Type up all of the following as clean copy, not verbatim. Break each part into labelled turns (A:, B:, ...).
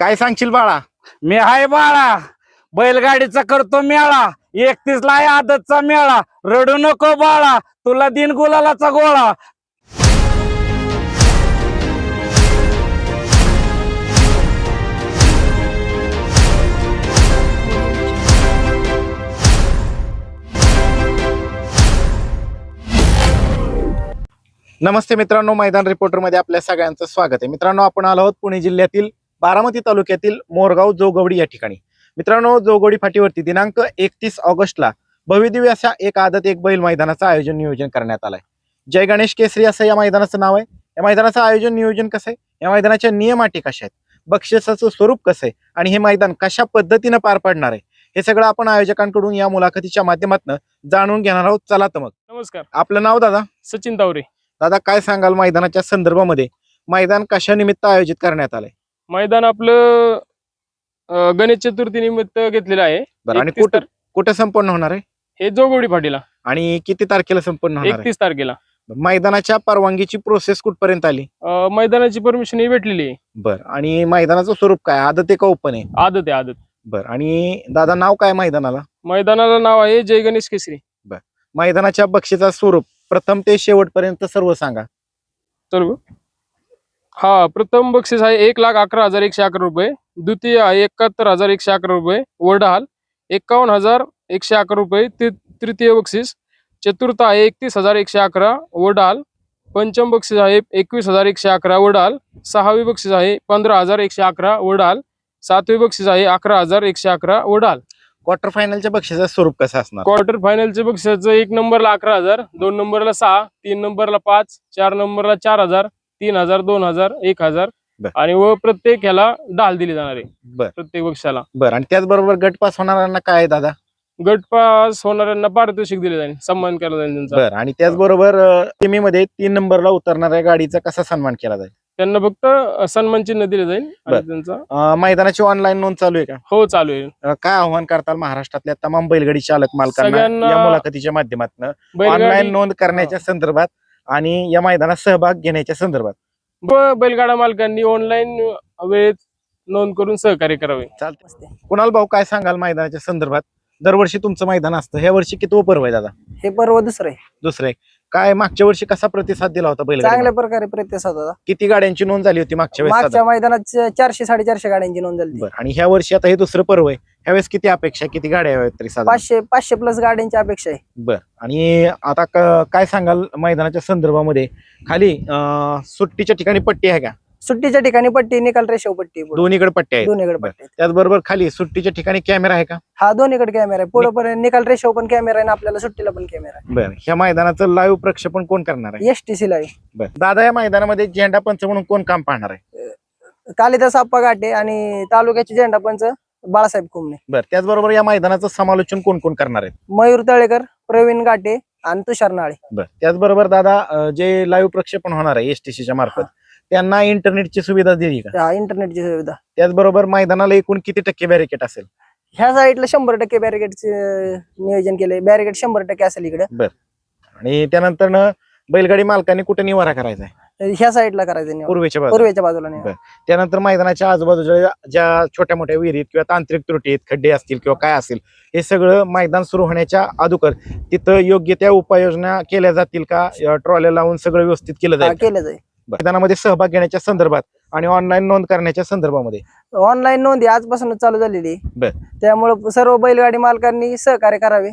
A: काय सांगशील बाळा?
B: मी हाय बाळा, बैलगाडीचा करतो मेळा, 31 ला आहे आदतचा मेळा. रडू नको बाळा, तुला दिन गुलालाचा गोळा.
A: नमस्ते मित्रांनो, मैदान रिपोर्टर मध्ये आपल्या सगळ्यांचं स्वागत आहे. मित्रांनो, आपण आलो आहोत पुणे जिल्ह्यातील बारामती तालुक्यातील मोरगाव जोगवडी या ठिकाणी. मित्रांनो, जोगवडी फाटीवरती दिनांक 31 ऑगस्टला भव्यदिव्य अशा एक आदत एक बैल मैदानाचं नियोजन करण्यात आलंय. जय गणेश केसरी असं या मैदानाचं नाव आहे. या मैदानाचं आयोजन नियोजन कसं आहे, या मैदानाच्या नियम अटी कशा आहेत, बक्षिसाचं स्वरूप कसं आहे आणि हे मैदान कशा पद्धतीनं पार पडणार आहे, हे सगळं आपण आयोजकांकडून या मुलाखतीच्या माध्यमातून जाणून घेणार आहोत. चला तर मग.
B: नमस्कार,
A: आपलं नाव दादा?
B: सचिन तावरे.
A: दादा, काय सांगाल मैदानाच्या संदर्भामध्ये? मैदान कशा निमित्त आयोजित करण्यात आलंय?
B: मैदान आपलं गणेश चतुर्थी निमित्त घेतलेलं आहे.
A: बरं, आणि
B: 31
A: कुठं संपन्न होणार आहे?
B: हे जोगवडी फाटीला
A: आणि किती तारखेला संपन्न होणार आहे?
B: 31 तारखेला.
A: मैदानाच्या परवानगीची प्रोसेस कुठपर्यंत आली?
B: मैदानाची परमिशन ही भेटलेली आहे.
A: बरं, आणि मैदानाचं स्वरूप काय, आदत आहे का ओपन आहे?
B: आदत आहे, आदत.
A: बरं, आणि दादा नाव काय मैदानाला?
B: मैदानाला नाव आहे जय गणेश केसरी.
A: मैदानाच्या बक्षीचा स्वरूप प्रथम ते शेवटपर्यंत सर्व सांगा.
B: तर हा, प्रथम बक्षीस आहे 1,11,111 रुपये. द्वितीय आहे 71,111 रुपये वरडाल. 51,111 रुपये तृतीय बक्षीस. चतुर्थ आहे 31,111 वरडाल. पंचम बक्षीस आहे 21,111 वरडाल. सहावी बक्षीस आहे 15,111 वरडाल. सातवे बक्षीस आहे 11,111 वरडाल.
A: क्वार्टर फायनलच्या बक्षीचं स्वरूप कसं असणार?
B: क्वार्टर फायनलचे बक्षिसाचं 1 नंबरला 11,000, 2 नंबरला 6, 3 नंबरला 5, 4 नंबरला 4,000, 3,000, 2,000, 1,000 आणि व प्रत्येक ह्याला ढाल दिली जाणार आहे.
A: बरं,
B: प्रत्येक बक्षाला.
A: बरं, आणि त्याचबरोबर गट पास होणाऱ्यांना काय आहे दादा?
B: गट पास होणाऱ्यांना पारितोषिक दिले जाईल, सन्मान केला जाईल त्यांचा.
A: बरं, आणि त्याचबरोबर सेमीमध्ये 3 नंबरला उतरणाऱ्या गाडीचा कसा सन्मान केला जाईल?
B: त्यांना फक्त सन्मान चिन्ह दिले जाईल आणि त्यांचा.
A: मैदानाची ऑनलाईन नोंद चालू आहे का?
B: हो, चालू आहे.
A: काय आव्हान करताल महाराष्ट्रातल्या तमाम बैलगाडी चालक मालकांना
B: सगळ्यांना
A: या मुलाखतीच्या माध्यमातून
B: बैलगाडी
A: ऑनलाईन नोंद करण्याच्या संदर्भात आणि या मैदानात सहभाग घेण्याच्या संदर्भात?
B: बैलगाडा मालकांनी ऑनलाईन वेळेत नोंद करून सहकार्य करावे.
A: चालते. कुणाल भाऊ, काय सांगाल मैदानाच्या संदर्भात? दरवर्षी तुमचं मैदान असतं, ह्या वर्षी किती पर्व आहे दादा?
C: हे पर्व दुसरं आहे.
A: दुसरं आहे. काय मागच्या वर्षी कसा प्रतिसाद दिला होता बैलगाडी?
C: चांगल्या प्रकारे प्रतिसाद होता.
A: किती गाड्यांची नोंद झाली होती मागच्या वेळेस?
C: मागच्या मैदानात 400-450 गाड्यांची नोंद झाली.
A: बरं, आणि ह्या वर्षी आता हे दुसरं पर्व आहे, ह्यावेळेस किती अपेक्षा, किती गाड्या हव्यात तरी साधारण?
C: 500 प्लस गाड्यांची अपेक्षा आहे.
A: बर, आणि आता काय सांगाल मैदानाच्या संदर्भामध्ये? खाली सुट्टीच्या ठिकाणी पट्टी आहे का?
C: सुट्टीच्या ठिकाणी पट्टी, निकाल रेषेव पट्टी,
A: दोन्हीकडे पट्टी आहे.
C: दोन्हीकडे पट्टी.
A: त्याचबरोबर खाली सुट्टीच्या ठिकाणी कॅमेरा आहे का?
C: हा, दोन्हीकडे कॅमेरा आहे. पुढे पर्यंत निकाल रेषेव पण कॅमेरा आहे आणि आपल्याला सुट्टीला पण कॅमेरा आहे.
A: बरं, ह्या मैदानाचं लाईव्ह प्रक्षेपण कोण करणार आहे?
C: STC ला आहे.
A: बरं, दादा, या मैदानामध्ये झेंडा पंच म्हणून कोण काम पाहणार आहे?
C: कालिदास आप्पा घाटे आणि तालुक्याचे झेंडा पंच बाळासाहेब कुमणे.
A: बरं, त्याचबरोबर या मैदानाचं समालोचन कोण कोण करणार आहेत?
C: मयूर तळेकर, प्रवीण घाटे आणि तुषार नाळे.
A: बरं, त्याचबरोबर दादा, जे लाईव्ह प्रक्षेपण होणार आहे STCच्या मार्फत, त्यांना इंटरनेटची सुविधा दिली का?
C: इंटरनेटची सुविधा.
A: त्याचबरोबर मैदानाला एकूण किती टक्के बॅरिकेड असेल?
C: ह्या साईडला 100% बॅरिकेडचे नियोजन केले. बॅरिकेड 100% असेल इकडे.
A: बरं, आणि त्यानंतर बैलगाडी मालकांनी कुठे निवारा करायचा आहे?
C: ह्या साईडला करायचं नियोजन.
A: पूर्वेच्या
C: बाजूला नाही.
A: बरं, त्यानंतर मैदानाच्या आजूबाजूच्या ज्या छोट्या मोठ्या विहिरीत किंवा तांत्रिक त्रुटी आहेत, खड्डे असतील किंवा काय असेल, हे सगळं मैदान सुरू होण्याच्या अगोदर तिथं योग्य त्या उपाययोजना केल्या जातील का? ट्रॉल्या लावून सगळं व्यवस्थित केलं जाईल?
C: केलं जाईल.
A: मैदानामध्ये सहभाग घेण्याच्या संदर्भात आणि ऑनलाईन नोंद करण्याच्या संदर्भामध्ये?
C: ऑनलाईन नोंदी आजपासूनच चालू झालेली.
A: बरं,
C: त्यामुळे सर्व बैलगाडी मालकांनी सहकार्य करावे.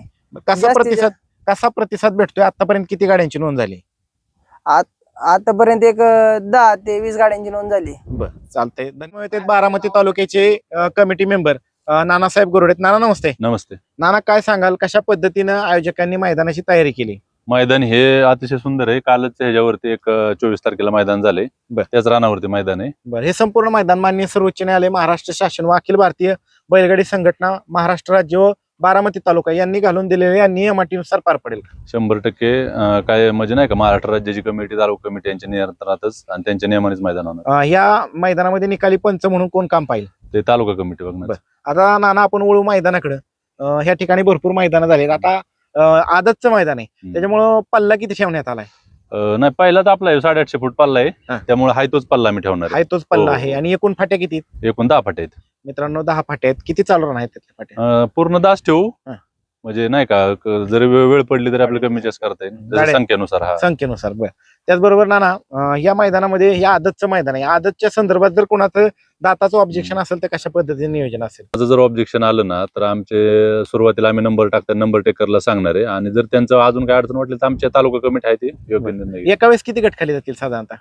A: कसा प्रतिसाद भेटतोय? आतापर्यंत किती गाड्यांची नोंद झाली?
C: आतापर्यंत एक 10 ते 20 गाड्यांची नोंद झाली.
A: बरं, चालतंय. धन्यवाद. बारामती तालुक्याचे कमिटी मेंबर नानासाहेब गोरडे. नाना, नमस्ते.
D: नमस्ते.
A: नाना, काय सांगाल कशा पद्धतीनं आयोजकांनी मैदानाची तयारी केली?
D: मैदान हे अतिशय सुंदर आहे. कालच ह्याच्यावरती एक 24 तारखेला मैदान झाले. त्याच रानावरती मैदान आहे.
A: बरं, हे संपूर्ण मैदान माननीय सर्वोच्च न्यायालय, महाराष्ट्र शासन व अखिल भारतीय बैलगाडी संघटना, महाराष्ट्र राज्य व बारामती तालुका यांनी घालून दिलेल्या नियम अटीनुसार पार पडेल?
D: 100% काय म्हणजे नाही का, महाराष्ट्र राज्याची कमिटी, तालुका कमिटी यांच्या नियंत्रणातच आणि त्यांच्या नियमानेच मैदान होणार.
A: या मैदानामध्ये निकाली पंच म्हणून कोण काम पाहिजे?
D: ते तालुका कमिटी बघणार.
A: आता नाना, आपण वळू मैदानाकडे. ह्या ठिकाणी भरपूर मैदानं झालेत. आता आदतचं मैदान आहे, त्याच्यामुळं पल्ला किती ठेवण्यात आलाय?
D: नाही पहिला तर आपला 850 फूट पल्ला आहे,
A: हा.
D: त्यामुळे हाय तोच पल्ला आम्ही ठेवणार
A: हाय तोच पल्ला
D: हो,
A: आहे
D: हो.
A: आणि एकूण फाट्या किती आहेत?
D: एकूण 10 फाटे आहेत.
A: मित्रांनो 10 फाट्या आहेत. किती चालू राहणार आहेत त्यातल्या फाट्या?
D: पूर्ण 10 ठेवू,
A: हा.
D: म्हणजे नाही का जरी वेळ पडली तरी आपल्याला कमी जास्त करता येईल जसं
A: गाड्या-
D: संख्येनुसार. हा
A: संख्येनुसार. बरं, त्याचबरोबर नाना या मैदानामध्ये या आदतचं मैदान आहे, आदतच्या संदर्भात जर कोणाचं दाताचं ऑब्जेक्शन असेल तर कशा पद्धतीने नियोजन असेल?
D: माझं जर ऑब्जेक्शन आलं ना तर आमचे सुरुवातीला आम्ही नंबर टाकता नंबर टेकरला सांगणार आहे, आणि जर त्यांचं अजून काय अडचण वाटली तर आमच्या तालुका कमिटी आहे ती योग्य निर्णय घेईल.
A: एका वेळेस किती गट खाली जातील साधारणतः?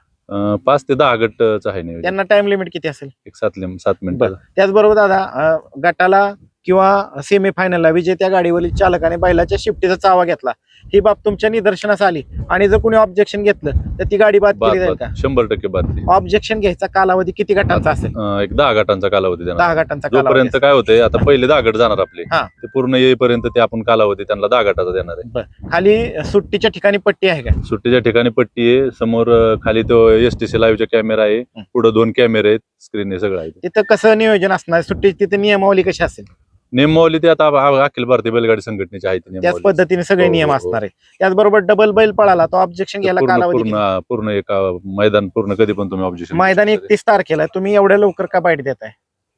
D: 5 ते 10 गटचं आहे नियोजन.
A: त्यांना टाइम लिमिट किती असेल?
D: एक 7 मिनिटं.
A: त्याचबरोबर दादा गटाला किंवा सेमीफायनलला विजेत्या गाडीवरील चालकाने बैलाच्या शिफ्टीचा चावा घेतला, ही बाब तुमच्या निदर्शनास आली आणि जर कोणी ऑब्जेक्शन घेतलं तर ती गाडी बाद केली जाईल का?
D: 100% बाद.
A: ऑब्जेक्शन घ्यायचा कालावधी किती गटांचा असेल?
D: एक 10 गटांचा कालावधी देणार.
A: 10 गटांचा कालावधी
D: जोपर्यंत काय होतंय आता पहिले 10 गट जाणार आपले,
A: हा.
D: ते पूर्ण येईपर्यंत ते आपण कालावधी त्यांना 10 गटाचा देणार आहे.
A: असेल. खाली सुट्टीच्या ठिकाणी पट्टी आहे का?
D: सुट्टीच्या ठिकाणी पट्टी आहे, समोर खाली तो STC लाईव्हचा कॅमेरा आहे, पुढे 2 कॅमेरे आहेत, स्क्रीन आहे, सगळं आहे.
A: तिथं कसं नियोजन असणार? सुट्टीची तिथे नियमावली कशी असेल?
D: नियमावली ते आता अखिल भारतीय बैलगाडी संघटनेची आहे ती
A: त्याच
D: नियमावली.
A: पद्धतीने सगळे
D: हो,
A: नियम
D: हो,
A: असणार आहे. त्याचबरोबर डबल बैल पळाला तो ऑब्जेक्शन घ्यायला
D: पूर्ण
A: कालावधी किती?
D: पूर्ण पूर्ण एका मैदान पूर्ण कधी पण तुम्ही ऑब्जेक्शन.
A: मैदान 31 तारखेला आहे. तुम्ही एवढ्या लवकर का बाईट देताय?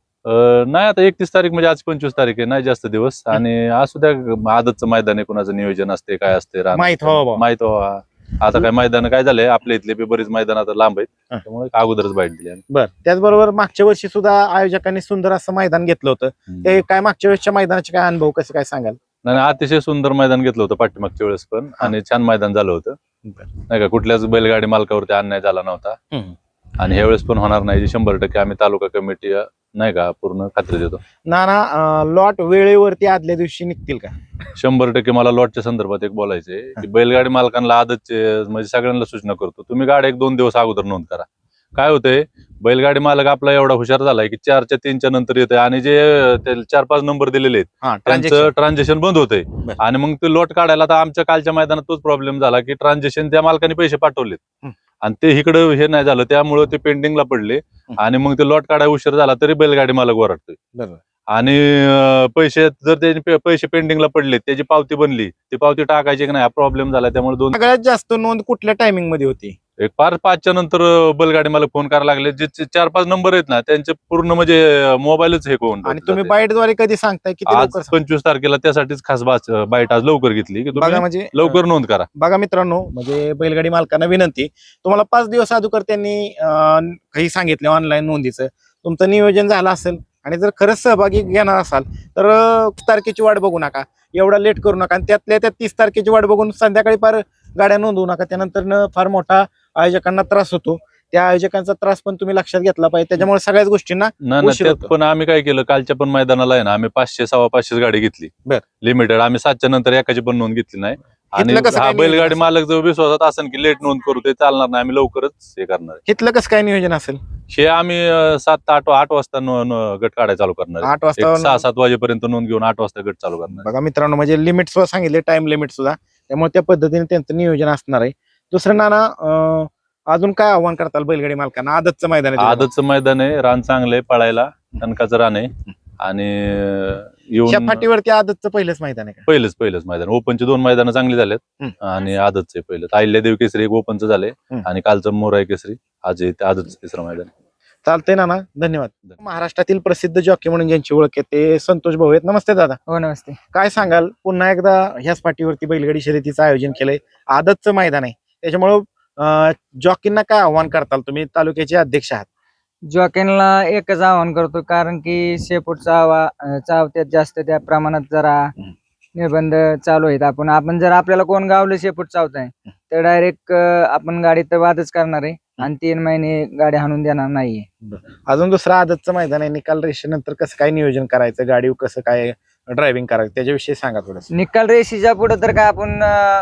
D: नाही आता 31 तारीख म्हणजे आज 25 तारीख आहे, नाही जास्त दिवस, आणि असू द्या आदतचं मैदान आहे, कुणाचं नियोजन असते काय असते
A: माहित व्हावं बा.
D: माहित व्हावं. आता काय मैदान काय झालंय आपल्या इथले बी बरीच मैदान आता लांब आहेत, त्यामुळे अगोदरच बाईट दिली आम्ही.
A: बर, त्याचबरोबर मागच्या वर्षी सुद्धा आयोजकांनी सुंदर असं मैदान घेतलं होतं. ते काय मागच्या वेळेसच्या मैदानाचे काय अनुभव कसे काय सांगाल?
D: नाही अतिशय सुंदर मैदान घेतलं होतं पाठीमागच्या वेळेस पण, आणि छान मैदान झालं होतं, नाही का कुठल्याच बैलगाडी मालकावरती अन्याय झाला नव्हता, आणि ह्यावेळेस पण होणार नाही 100% आम्ही तालुका कमिटी नाही का पूर्ण खात्री देतो.
A: नाना लॉट वेळेवरती आदल्या दिवशी निघतील का?
D: 100% मला लॉटच्या संदर्भात एक बोलायचंय की बैलगाडी मालकांना आदतचे म्हणजे सगळ्यांना सूचना करतो, तुम्ही गाडी 1-2 दिवस अगोदर नोंद करा. काय होतंय बैलगाडी मालक आपला एवढा हुशार झालाय की 4च्या 3च्या नंतर येतोय, आणि जे 4-5 नंबर दिलेले आहेत त्यांचं ट्रान्झॅक्शन बंद होतंय, आणि मग ते लॉट काढायला तर आमच्या कालच्या मैदानात तोच प्रॉब्लेम झाला की ट्रान्झॅक्शन त्या मालकाने पैसे पाठवलेत आणि ते इकडं हे नाही झालं, त्यामुळे ते पेंडिंगला पडले, आणि मग ते लॉट काढायला उशीर झाला तरी बैलगाडी मालक ओरडतोय. आणि पैसे जर त्याचे पैसे पेंडिंगला पडले, त्याची पावती बनली, ती पावती टाकायची की नाही हा प्रॉब्लेम झाला, त्यामुळे
A: सगळ्यात जास्त नोंद कुठल्या टायमिंग मध्ये होती?
D: एक 5च्या नंतर बैलगाडी मालक फोन करायला लागले, जे 4-5 नंबर आहेत ना त्यांचे पूर्ण म्हणजे मोबाईलच हे करून.
A: आणि तुम्ही बाईटद्वारे कधी सांगताय किती
D: आज
A: लवकर?
D: 25 तारखेला त्यासाठीच खास बाईट आज लवकर घेतली की
A: बघा
D: तुम्ही
A: म्हणजे
D: लवकर नोंद करा.
A: बघा मित्रांनो, म्हणजे बैलगाडी मालकांना विनंती, तुम्हाला 5 दिवस अगोदर त्यांनी काही सांगितले ऑनलाईन नोंदीचं, तुमचं नियोजन झालं असेल आणि जर खरंच सहभागी घेणार असाल तर 30 तारखेची वाट बघू नका, एवढा लेट करू नका, आणि त्यातल्या त्या 30 तारखेची वाट बघून संध्याकाळी फार गाड्या नोंदवू नका, त्यानंतर फार मोठा आयोजकांना त्रास होतो. त्या आयोजकांचा त्रास पण तुम्ही लक्षात घेतला पाहिजे, त्याच्यामुळे सगळ्याच गोष्टींना उशीर
D: त्यात
A: होतो.
D: पण आम्ही काय केलं, कालच्या पण मैदानाला आहे ना आम्ही 500-550 गाडी घेतली लिमिटेड, आम्ही 7च्या नंतर एकाची पण नोंद घेतली नाही. आणि
A: इथलं कसं
D: हा
A: काय
D: बैलगाडी
A: नियोजन
D: मालक जर विश्वासात असेल की लेट नोंद करू ते चालणार नाही, आम्ही लवकरच हे करणार आहे.
A: इथलं कसं काय नियोजन असेल?
D: हे आम्ही 7-8 वाजता गट काढायला चालू करणार आहे.
A: 8 वाजता
D: 6-7 वाजेपर्यंत नोंद घेऊन 8 वाजता गट चालू करणार आहे.
A: बघा मित्रांनो, म्हणजे लिमिट सुद्धा सांगितले, टाइम लिमिट सुद्धा, त्यामुळे त्या पद्धतीने त्यांचं नियोजन असणार आहे. दुसरं नाना, अजून काय आव्हान करताल बैलगाडी मालकांना? आदतचं मैदान आहे,
D: आदतचं मैदान आहे, रान चांगलंय पळायला, कणकाचं रान आहे, आणि
A: या
D: येऊन
A: फाटीवरती आदतचं पहिलंच मैदान आहे का?
D: पहिलंच मैदान. ओपनचे 2 मैदान चांगली झालेत, आणि आदतचे पहिलं अहिल्यादेवी केसरी एक ओपनचं झालंय, आणि कालचं मोराई केसरी, आज आदतचं 3रं मैदान.
A: चालतंय नाना, धन्यवाद. महाराष्ट्रातील प्रसिद्ध जॉकी म्हणून ज्यांची ओळख आहे ते संतोष भाऊ आहेत. नमस्ते दादा.
C: हो नमस्ते.
A: काय सांगाल, पुन्हा एकदा ह्याच पाठीवरती बैलगाडी शर्यतीचं आयोजन केलंय, आदतचं मैदान आहे, त्याच्यामुळं जॉकींना काय आव्हान करताल? तुम्ही तालुक्याचे अध्यक्ष आहात.
C: जॉकेनला एकच आवाहन करतो, कारण की शेपूटचा चावत्यात जास्त, त्या प्रमाणात जरा निर्बंध चालू आहेत. आपण जर आपल्याला कोण गावलं शेपूट चावताय तर डायरेक्ट आपण गाडी तर वादच करणार आहे, आणि 3 महिने गाडी हाणून देणार नाहीये.
A: अजून दुसरं आदतचं मैदान आहे, निकाल रेषेनंतर कसं काय नियोजन करायचं, गाडी कसं काय ड्रायव्हिंग करायचं, त्याच्याविषयी सांगा थोडं.
C: निकाल रेषेच्या पुढे तर काय आपण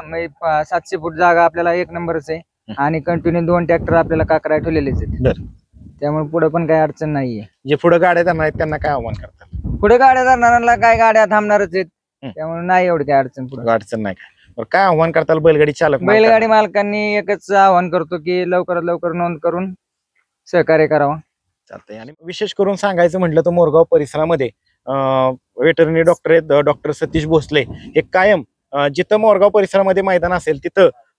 C: 700 फूट जागा आपल्याला 1 नंबरच आहे, आणि कंटिन्यू 2 ट्रॅक्टर आपल्याला काकरा ठेवलेलेच आहेत, त्यामुळे पुढे पण काही अडचण नाहीये.
A: जे पुढे गाड्या जाणार आहेत त्यांना काय आव्हान करतात?
C: पुढे गाड्या जाणाऱ्यांना काय गाड्या थांबणारच आहेत, त्यामुळे नाही एवढी काही अडचण पुढे.
A: अडचण नाही का? काय आव्हान करताल बैलगाडी चालक?
C: बैलगाडी मालकांनी एकच आवाहन करतो की लवकरात लवकर नोंद करून सहकार्य करावं.
A: चालतंय. आणि विशेष करून सांगायचं म्हटलं तर मोरगाव परिसरामध्ये वेटरनरी डॉक्टर आहेत, डॉक्टर सतीश भोसले, हे कायम जिथं मोरगाव परिसरामध्ये मैदान असेल तिथं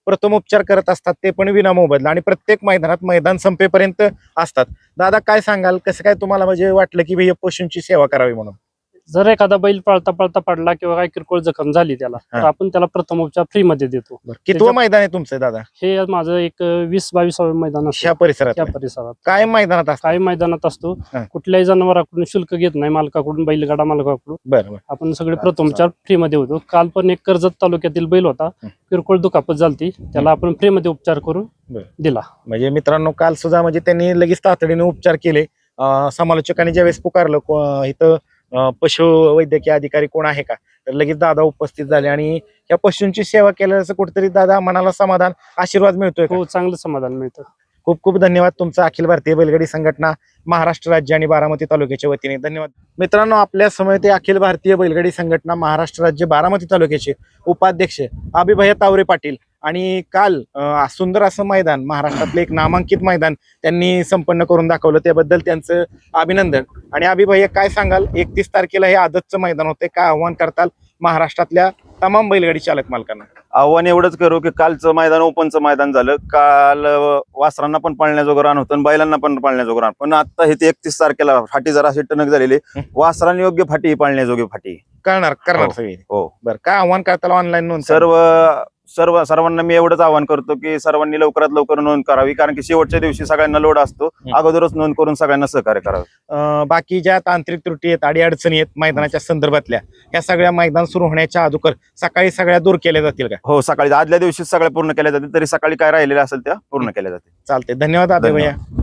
A: प्रथमोपचार करत असतात ते पण विना मोबदला आणि प्रत्येक मैदानात मैदान संपेपर्यंत असतात. दादा काय सांगाल, कसं काय तुम्हाला म्हणजे वाटलं की हे पशूंची सेवा करावी म्हणून?
E: जर एखादा बैल पळता पळता पडला किंवा काही किरकोळ जखम झाली त्याला, तर
A: हा.
E: आपण त्याला प्रथमोपचार फ्री मध्ये देतो.
A: कितवं मैदान आहे तुमचं दादा
E: हे माझं एक 20-22 मैदान
A: ह्या
E: असतं
A: परिसरात?
E: त्या परिसरात.
A: काय मैदानात असतं?
E: काही मैदानात असतो,
A: हा.
E: कुठल्याही जनावराकडून शुल्क घेत नाही मालकाकडून, बैलगाडा मालकाकडून.
A: बरं.
E: आपण सगळे प्रथमोपचार फ्री मध्ये होतो. काल पण एक कर्जत तालुक्यातील बैल होता, किरकोळ दुखापत झालती, त्याला आपण फ्री मध्ये उपचार करून
A: बरं.
E: दिला.
A: म्हणजे मित्रांनो काल सुद्धा म्हणजे त्यांनी लगेच तातडीने उपचार केले. समालोचकांनी ज्यावेळेस पुकारलं इथं पशु वैद्यकीय अधिकारी कोण आहे का, तर लगेच दादा उपस्थित झाले आणि या पशूंची सेवा केल्याचं कुठेतरी दादा मनाला समाधान, आशीर्वाद मिळतोय का?
E: हो, चांगलं समाधान मिळतं.
A: खूप खूप धन्यवाद तुमचा अखिल भारतीय बैलगाडी संघटना महाराष्ट्र राज्य आणि बारामती तालुक्याच्या वतीने धन्यवाद. मित्रांनो आपल्या समोर ते अखिल भारतीय बैलगाडी संघटना महाराष्ट्र राज्य बारामती तालुक्याचे उपाध्यक्ष अभिभय तावरे पाटील आणि काल सुंदर असं मैदान, महाराष्ट्रातलं एक नामांकित मैदान त्यांनी संपन्न करून दाखवलं, त्याबद्दल त्यांचं अभिनंदन. आणि अभिभय काय सांगाल, 31 तारखेला हे आदतचं मैदान होते, काय आव्हान करताल महाराष्ट्रातल्या तमाम बैलगाडी चालक मालकांना?
F: आव्हान एवढंच करू की कालचं मैदान ओपनचं मैदान झालं, काल वासरांना पण पाळण्याजोगं रान होतं आणि बैलांना पण पाळण्याजोगं रान, पण आता हे 31 तारखेला फाटी जरा अशी टणक झालेली, वासरांनी योग्य फाटी, पाळण्याजोगी फाटी
A: करणार
F: हो.
A: सगळे?
F: हो.
A: बरं, काय आव्हान करताल ऑनलाईन नोंद?
F: सर्वांना मी एवढंच आवाहन करतो की सर्वांनी लवकरात लवकर नोंद करावी, कारण की शेवटच्या दिवशी सगळ्यांना लोड असतो, अगोदरच नोंद करून सगळ्यांना सहकार्य करावं.
A: बाकी ज्या तांत्रिक त्रुटी आहेत, अडीअडचणी आहेत मैदानाच्या संदर्भातल्या, या सगळ्या मैदान सुरू होण्याच्या अगोदर सकाळी सगळ्या दूर केल्या जातील का?
F: हो, सकाळी आदल्या दिवशी सगळ्या पूर्ण केल्या जाते, तरी सकाळी काय राहिलेल्या असेल त्या पूर्ण केल्या जाते.
A: चालते. धन्यवाद अभिभय.